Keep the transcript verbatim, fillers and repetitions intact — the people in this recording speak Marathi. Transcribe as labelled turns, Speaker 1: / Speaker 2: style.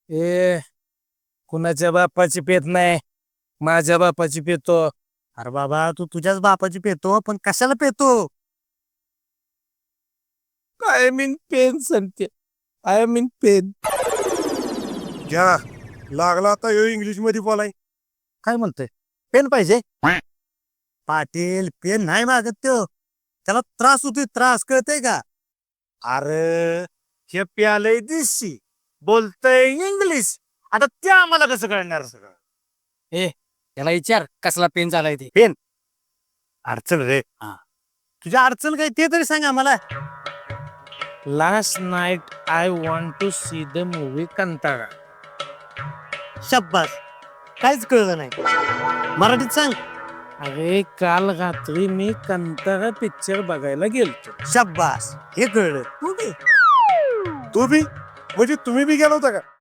Speaker 1: ए कुणाच्या बापाची पेत नाही, माझ्या बापाची पेतो.
Speaker 2: अरे बाबा तू तुझ्याच बापाची पेतो पण कशाला पेतो?
Speaker 1: आय मीन पेन सांगते. I mean pen.
Speaker 3: घ्या लागला आता यो इंग्लिश मध्ये बोलाय.
Speaker 2: काय म्हणतोय? पेन पाहिजे? पाटील पेन नाही मागत तो, त्याला त्रास होतोय, त्रास कळतंय का?
Speaker 3: अरे हे प्यालय दिसशी बोलतय इंग्लिश, आता ते आम्हाला कसं कळणार सगळं?
Speaker 1: ए त्याला विचार कसला पेन झालाय ते.
Speaker 3: अडचण रे.
Speaker 2: तुझ्या अडचण काय ते तरी सांग आम्हाला.
Speaker 1: Last night I want to see the movie कंटाळा.
Speaker 2: शब्बास, काहीच कळलं नाही, मराठीत सांग.
Speaker 1: अरे काल रात्री मी कंटाळा पिक्चर बघायला गेलतो.
Speaker 2: शब्बास, हे कळलं. तू बी
Speaker 3: तू बी म्हणजे तुम्ही बी गेला होता का?